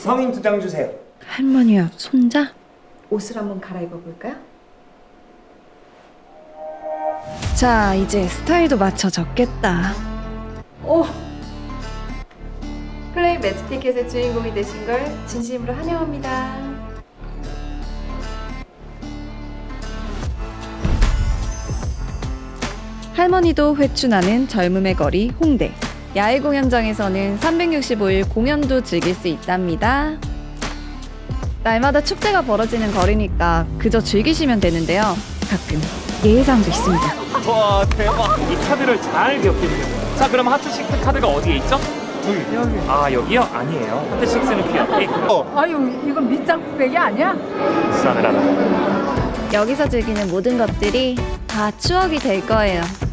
성인 2장 주세요. 할머니와 손자? 옷을 한번 갈아입어 볼까요? 자, 이제 스타일도 맞춰졌겠다. 오! 플레이 매치 티켓의 주인공이 되신 걸 진심으로 환영합니다. 할머니도 회춘하는 젊음의 거리 홍대. 야외 공연장에서는 365일 공연도 즐길 수 있답니다. 날마다 축제가 벌어지는 거리니까 그저 즐기시면 되는데요. 가끔 예외사항도 있습니다. 와 대박. 이 카드를 잘 기억해주세요. 자 그럼 하트식스 카드가 어디에 있죠? 여기. 아 여기요? 아니에요. 하트식스는 그 옆에 있고. 아유, 이건 밑장빼기 아니야? 싸늘하다. 여기서 즐기는 모든 것들이 다 추억이 될 거예요.